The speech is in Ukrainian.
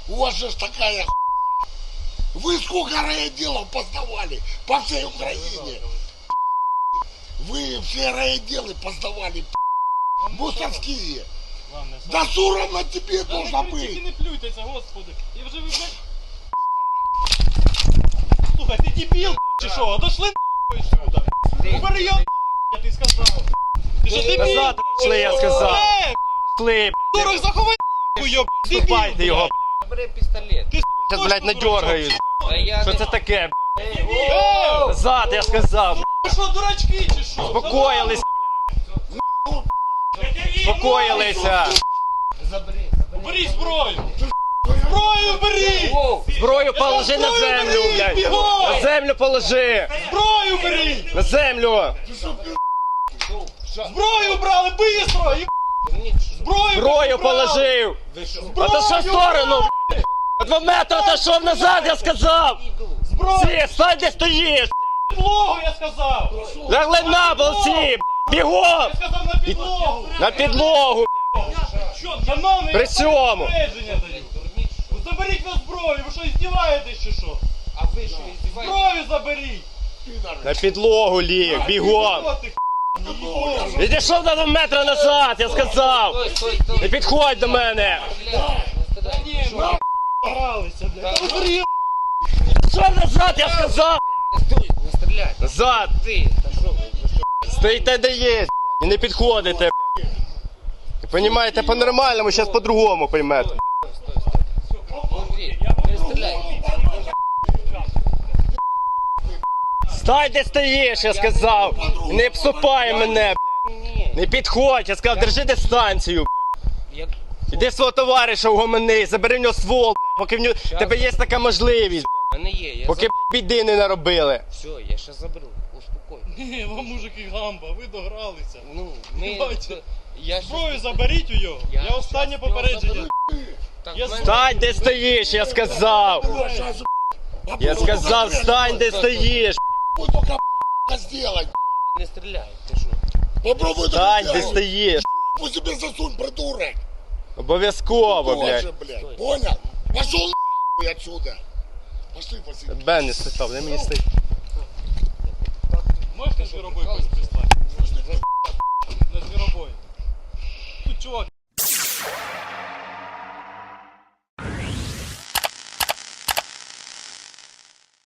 У вас же такая хуйня. Вы сколько райотделов поздавали по всей Украине? Вы все райотделы поздавали, мусорские. Да соромно тебе должно быть. Тільки не плюйтеся, господи. І вже ви, блядь... Слухай, ти дебіл, чи що? Отошли нахуй сюди. Убери його нахуй, я ти сказав. Ти що дебіл? Назад пішли, я сказав. Пішли, Дурак, заховай нахуй його, дебіл. вступайте його. Бери пістолет. Ти Зараз, блядь, надергають. А я Що не- це таке, блядь? Ей! Назад, я сказав. Ви що, дурачки, чи що? Спокоїлися, спокоїлися. Забери. Бери зброю. Зброю бери. Воу. Зброю положи на землю, блядь. На землю положи. Зброю бери. На землю. Зброю брали, быстро. Зброю Зброю положив. А то що в сторону, блядь? На 2 метри отошов назад, я сказав. Зброю. Всі, стань, де стоїш. Підлогу, я сказав. Лягли на пол всі, блядь. Бігом. Я сказав на підлогу. На підлогу, Що, шановний, При я цьому. попередження даю. Ну, заберіть на зброю, ви що, здіваєтесь чи що? А ви що, іздіваєтесь? Зброю заберіть. на підлогу ліг, бігом. Що ти, підлогу? Відійшов на 2 метри назад, я сказав. Стой, стой, стой. Не підходь до мене. Ні, ми гралися, блядь. Та бери, Що назад, я сказав. Стой, не стріляй. Назад. Ти, та що ви? Стоїте де є, і не підходите, блядь. Ви понімаєте по-нормальному, зараз по-другому поймете. Андрій, не стріляй. Стань, де стоїш, я сказав. Не псупай мене, блядь. Ні. Не підходь, я сказав, держи дистанцію, блядь. Я... Іди свого товариша угомони, забери в нього ствол, блядь, поки в нього тебе є така можливість, В мене є, я поки біди не наробили. Все, я щас заберу. Успокой. Ні, вам мужики гамба, ви догралися. Ну, ми... Бачите, Я щас- Зброю заберіть у його. Я Я останнє щас його попередження. заберу. Так, Я в мене- Стань, де стоїш, я сказав. Я сказав, стань, де стоїш. Попробуй только сделать. Не стріляй, ти що? Попробуй Стань, только де сделать. стоїш. Пусть себе засунь, придурок. Обов'язково, Боже, блядь. блядь. Понял? Пошел нахуй отсюда. Пошли, Василий. Бен не спитав, де мені стоїть.